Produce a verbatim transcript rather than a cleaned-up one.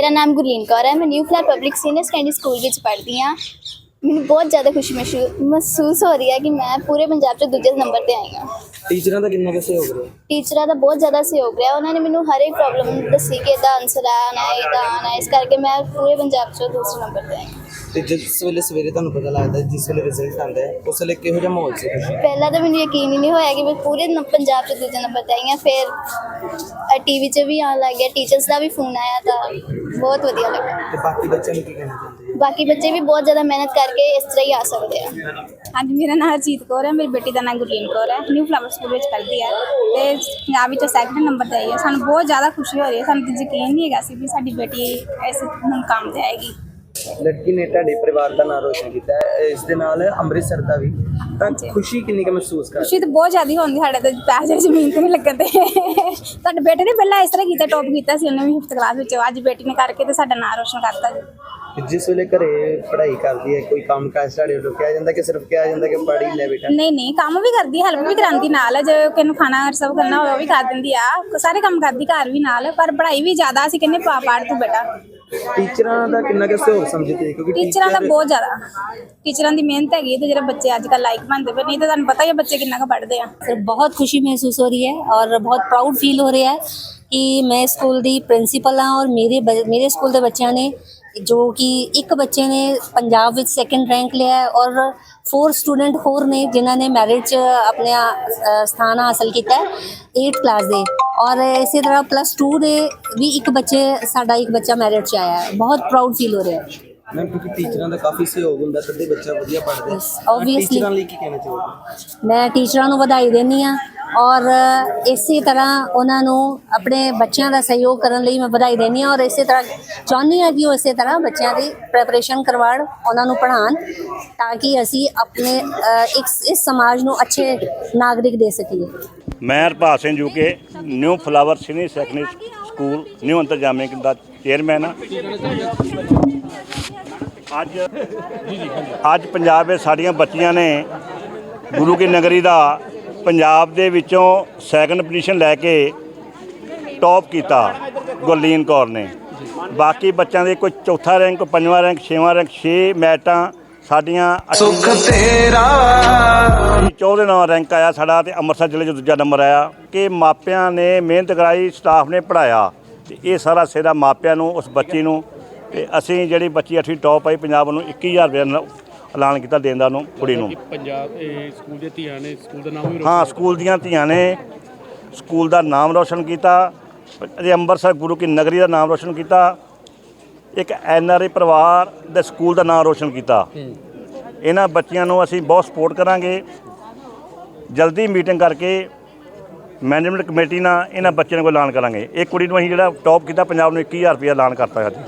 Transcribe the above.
नाम गुरलीन कौर है। मैं new flat public senior secondary school में पढ़ती हाँ। मैंने बहुत ज़्यादा खुशी महसूस महसूस हो रही है कि मैं पूरे पंजाब से दूजे नंबर पर आई हाँ। ਟੀਚਰਾਂ ਦਾ ਕਿੰਨਾ ਕੁ ਸਹਿਯੋਗ ਰਿਹਾ? ਟੀਚਰਾਂ ਦਾ ਬਹੁਤ ਜ਼ਿਆਦਾ ਸਹਿਯੋਗ ਰਿਹਾ। ਉਹਨਾਂ ਨੇ ਮੈਨੂੰ ਹਰ ਇੱਕ ਪ੍ਰੋਬਲਮ ਦੱਸੀ ਕਿ ਇਹਦਾ ਆਨਸਰ ਆਉਣਾ ਹੈ, ਇਹਦਾ ਆਉਣਾ ਹੈ। ਇਸ ਕਰਕੇ ਮੈਂ ਪੂਰੇ ਪੰਜਾਬ 'ਚੋਂ ਦੂਸਰੇ ਨੰਬਰ 'ਤੇ ਆਈ ਹਾਂ। ਤੇ ਜਿਸ ਵੇਲੇ ਸਵੇਰੇ ਤੁਹਾਨੂੰ ਪਤਾ ਲੱਗਦਾ, ਜਿਸ ਵੇਲੇ ਰਿਜ਼ਲਟ ਆਉਂਦਾ ਹੈ, ਉਸ ਵੇਲੇ ਕਿਹੋ ਜਿਹਾ ਮਾਹੌਲ ਸੀ? ਪਹਿਲਾਂ ਤਾਂ ਮੈਨੂੰ ਯਕੀਨ ਹੀ ਨਹੀਂ ਹੋਇਆ ਕਿ ਮੈਂ ਪੂਰੇ ਨ- ਪੰਜਾਬ 'ਚ ਦੂਜੇ ਨੰਬਰ 'ਤੇ ਆਈ ਹਾਂ। ਫਿਰ ਟੀਵੀ 'ਚ ਵੀ ਆਉਣ ਲੱਗ ਗਿਆ, ਟੀਚਰਸ ਦਾ ਵੀ ਫੋਨ ਆਇਆ ਤਾਂ ਬਹੁਤ ਵਧੀਆ ਲੱਗਾ। ਤੇ ਬਾਕੀ ਬੱਚਿਆਂ ਨੂੰ ਕੀ ਕਹਿਣਾ ਚਾਹੁੰਦੇ? ਬਾਕੀ ਬੱਚੇ ਵੀ ਬਹੁਤ ਜ਼ਿਆਦਾ ਮਿਹਨਤ ਕਰਕੇ ਇਸ ਤਰ੍ਹਾਂ ਹੀ ਆ ਸਕਦੇ ਆ। ਹਾਂਜੀ, ਮੇਰਾ ਨਾਮ ਹਰਜੀਤ ਕੌਰ ਹੈ। ਮੇਰੀ ਬੇਟੀ ਦਾ ਨਾਮ ਗੁਰਲੀਨ ਕੌਰ ਹੈ। ਨਿਊ ਫਲਾਵਰ ਸਕੂਲ ਵਿੱਚ ਪੜ੍ਹਦੀ ਹੈ ਤੇ ਪੰਜਾਬ ਵਿੱਚ ਸੈਕਿੰਡ ਨੰਬਰ 'ਤੇ ਆਈ ਹੈ। ਸਾਨੂੰ ਬਹੁਤ ਜ਼ਿਆਦਾ ਖੁਸ਼ੀ ਹੋ ਰਹੀ ਹੈ। ਸਾਨੂੰ ਤਾਂ ਯਕੀਨ ਨਹੀਂ ਹੈਗਾ ਸੀ ਵੀ ਸਾਡੀ ਬੇਟੀ ਇਸ ਮੁਕਾਮ 'ਤੇ ਆਏਗੀ। ਲੜਕੀ ਨੇ ਤੁਹਾਡੇ ਪਰਿਵਾਰ ਦਾ ਨਾਮ ਰੋਸ਼ਨ ਕੀਤਾ ਹੈ, ਇਸ ਦੇ ਨਾਲ ਅੰਮ੍ਰਿਤਸਰ ਦਾ ਵੀ। ਤਾਂ ਖੁਸ਼ੀ ਕਿੰਨੀ ਕੁ ਮਹਿਸੂਸ ਕਰ? ਖੁਸ਼ੀ ਤਾਂ ਬਹੁਤ ਜ਼ਿਆਦਾ ਹੁੰਦੀ। ਸਾਡੇ ਤਾਂ ਪੈਸੇ ਜ਼ਮੀਨ 'ਤੇ ਨਹੀਂ ਲੱਗਦੇ। ਸਾਡੇ ਬੇਟੇ ਨੇ ਪਹਿਲਾਂ ਇਸ ਤਰ੍ਹਾਂ ਕੀਤਾ, ਟੌਪ ਕੀਤਾ ਸੀ ਉਹਨੇ ਵੀ ਫਿਫਥ ਕਲਾਸ ਵਿੱਚ। ਅੱਜ ਬੇਟੀ ਨੇ ਕਰਕੇ ਤੇ ਸਾਡਾ ਨਾਮ ਰੋਸ਼ਨ ਕਰਤਾ ਜੀ। ਜਿਸ ਵੇਲੇ ਘਰੇ ਪੜ੍ਹਾਈ ਕਰਦੀ ਹੈ, ਕੋਈ ਕੰਮ ਕਾਜ ਤੁਹਾਡੇ ਵੱਲੋਂ ਕਿਹਾ ਜਾਂਦਾ ਕਿ ਸਿਰਫ ਕਿਹਾ ਜਾਂਦਾ ਕਿ ਪੜ੍ਹ ਹੀ ਲੈ ਬੇਟਾ? ਨਹੀਂ ਨਹੀਂ, ਕੰਮ ਵੀ ਕਰਦੀ, ਹੈਲਪ ਵੀ ਕਰਾਉਂਦੀ ਨਾਲ। ਜੇ ਕਿਸੇ ਨੂੰ ਖਾਣਾ ਸਰਵ ਕਰਨਾ ਹੋਵੇ ਉਹ ਵੀ ਕਰ ਦਿੰਦੀ ਆ। ਸਾਰੇ ਕੰਮ ਕਰਦੀ ਘਰ ਵੀ ਨਾਲ, ਪਰ ਪੜ੍ਹਾਈ ਵੀ ਜ਼ਿਆਦਾ। ਅਸੀਂ ਕਹਿੰਦੇ ਪਾ ਪੜ੍ਹ ਤੂੰ ਬੇਟਾ। ਟੀਚਰਾਂ ਦਾ ਕਿੰਨਾ ਕੁ ਸਹਿਯੋਗ ਸਮਝਦੇ? ਕਿਉਂਕਿ ਟੀਚਰਾਂ ਦਾ ਬਹੁਤ ਜ਼ਿਆਦਾ, ਟੀਚਰਾਂ ਦੀ ਮਿਹਨਤ ਹੈਗੀ ਤੇ ਜਿਹੜੇ ਬੱਚੇ ਅੱਜ ਕੱਲ੍ਹ ਲਾਇਕ ਬਣਦੇ ਪਏ। नहीं तो ਤੁਹਾਨੂੰ ਪਤਾ ਹੀ ਹੈ ਬੱਚੇ ਕਿੰਨਾ ਕੁ ਪੜ੍ਹਦੇ ਆ। सर बहुत खुशी महसूस हो रही है और बहुत प्राउड फील हो रहा है कि मैं स्कूल दी प्रिंसीपल हाँ और मेरे ब- मेरे स्कूल के बच्चों ने जो कि एक बच्चे ने पंजाब विच सैकेंड रैंक लिया है और फोर स्टूडेंट होर ने जिन्होंने मैरिट च अपने अ, स्थान हासिल किया है एट क्लास दे। और इसी तरह प्लस टू दे भी एक बच्चे साडा एक बच्चा मैरिट च आया है। बहुत प्राउड फील हो रहा है। ਮੈਂ ਕਿਉਂਕਿ ਟੀਚਰਾਂ ਦਾ ਕਾਫੀ ਸਹਿਯੋਗ ਹੁੰਦਾ ਤਦੇ ਬੱਚਾ ਵਧੀਆ ਪੜ੍ਹਦਾ। Yes, obviously। ਟੀਚਰਾਂ ਲਈ ਕੀ ਕਹਿਣਾ ਚਾਹੋਗੇ? ਮੈਂ ਟੀਚਰਾਂ ਨੂੰ ਵਧਾਈ ਦਿੰਦੀ ਹਾਂ ਔਰ ਇਸੇ ਤਰ੍ਹਾਂ ਉਹਨਾਂ ਨੂੰ ਆਪਣੇ ਬੱਚਿਆਂ ਦਾ ਸਹਿਯੋਗ ਕਰਨ ਲਈ ਮੈਂ ਵਧਾਈ ਦਿੰਦੀ ਹਾਂ ਔਰ ਇਸੇ ਤਰ੍ਹਾਂ ਚਾਹੁੰਦੀ ਹਾਂ ਕਿ ਉਹ ਇਸੇ ਤਰ੍ਹਾਂ ਬੱਚਿਆਂ ਦੀ ਪ੍ਰੈਪਰੇਸ਼ਨ ਕਰਵਾਉਣ, ਉਹਨਾਂ ਨੂੰ ਪੜ੍ਹਾਉਣ ਤਾਂ ਕਿ ਅਸੀਂ ਆਪਣੇ ਅ, ਇੱਕ ਇਸ ਸਮਾਜ ਨੂੰ ਅੱਛੇ ਨਾਗਰਿਕ ਦੇ ਸਕੀਏ। ਮੈਂ Harpal Singh U K new flower senior secondary school new Antarjami ਦਾ ਚੇਅਰਮੈਨ ਹਾਂ। ਅੱਜ ਅੱਜ ਪੰਜਾਬ ਵਿੱਚ ਸਾਡੀਆਂ ਬੱਚੀਆਂ ਨੇ ਗੁਰੂ ਕੀ ਨਗਰੀ ਦਾ ਪੰਜਾਬ ਦੇ ਵਿੱਚੋਂ ਸੈਕੰਡ ਪੋਜੀਸ਼ਨ ਲੈ ਕੇ ਟੌਪ ਕੀਤਾ ਗੁਰਲੀਨ ਕੌਰ ਨੇ। ਬਾਕੀ ਬੱਚਿਆਂ ਦੇ ਕੋਈ ਚੌਥਾ ਰੈਂਕ, ਕੋਈ ਪੰਜਵਾਂ ਰੈਂਕ, ਛੇਵਾਂ ਰੈਂਕ, ਛੇ ਮੈਟਾਂ ਸਾਡੀਆਂ ਸੁਖ ਤੇਰਾ ਚੌਥੇ ਨੰਬਰ ਰੈਂਕ ਆਇਆ ਸਾਡਾ ਤੇ ਅੰਮ੍ਰਿਤਸਰ ਜ਼ਿਲ੍ਹੇ 'ਚ ਦੂਜਾ ਨੰਬਰ ਆਇਆ। ਕਿ ਮਾਪਿਆਂ ਨੇ ਮਿਹਨਤ ਕਰਾਈ, ਸਟਾਫ ਨੇ ਪੜ੍ਹਾਇਆ ਤੇ ਇਹ ਸਾਰਾ ਸਿਹਰਾ ਮਾਪਿਆਂ ਨੂੰ, ਉਸ ਬੱਚੀ ਨੂੰ। ਤੇ ਅਸੀਂ ਜਿਹੜੀ ਬੱਚੀ ਅੱਠਵੀਂ ਟੌਪ ਆਈ ਪੰਜਾਬ ਨੂੰ ਇੱਕੀ ਹਜ਼ਾਰ ਰੁਪਏ ਐਲਾਨ ਕੀਤਾ ਦੇਣ ਦਾ ਨੂੰ ਕੁੜੀ ਨੂੰ। ਪੰਜਾਬ ਇਹ ਸਕੂਲ ਦੀਆਂ ਧੀਆਂ ਨੇ ਸਕੂਲ ਦਾ ਨਾਮ ਵੀ ਹਾਂ, ਸਕੂਲ ਦੀਆਂ ਧੀਆਂ ਨੇ ਸਕੂਲ ਦਾ ਨਾਮ ਰੋਸ਼ਨ ਕੀਤਾ। ਅਜੇ ਅੰਮ੍ਰਿਤਸਰ ਗੁਰੂ ਕੀ ਨਗਰੀ ਦਾ ਨਾਮ ਰੋਸ਼ਨ ਕੀਤਾ। ਇੱਕ ਐਨ ਆਰ ਆਈ ਪਰਿਵਾਰ ਦੇ ਸਕੂਲ ਦਾ ਨਾਮ ਰੋਸ਼ਨ ਕੀਤਾ। ਇਹਨਾਂ ਬੱਚਿਆਂ ਨੂੰ ਅਸੀਂ ਬਹੁਤ ਸਪੋਰਟ ਕਰਾਂਗੇ। ਜਲਦੀ ਮੀਟਿੰਗ ਕਰਕੇ ਮੈਨੇਜਮੈਂਟ ਕਮੇਟੀ ਨਾਲ ਇਹਨਾਂ ਬੱਚਿਆਂ ਨੂੰ ਐਲਾਨ ਕਰਾਂਗੇ। ਇਹ ਕੁੜੀ ਨੂੰ ਅਸੀਂ ਜਿਹੜਾ ਟੌਪ ਕੀਤਾ ਪੰਜਾਬ ਨੂੰ ਇੱਕੀ ਹਜ਼ਾਰ ਰੁਪਇਆ ਐਲਾਨ ਕਰਤਾ ਹੈ।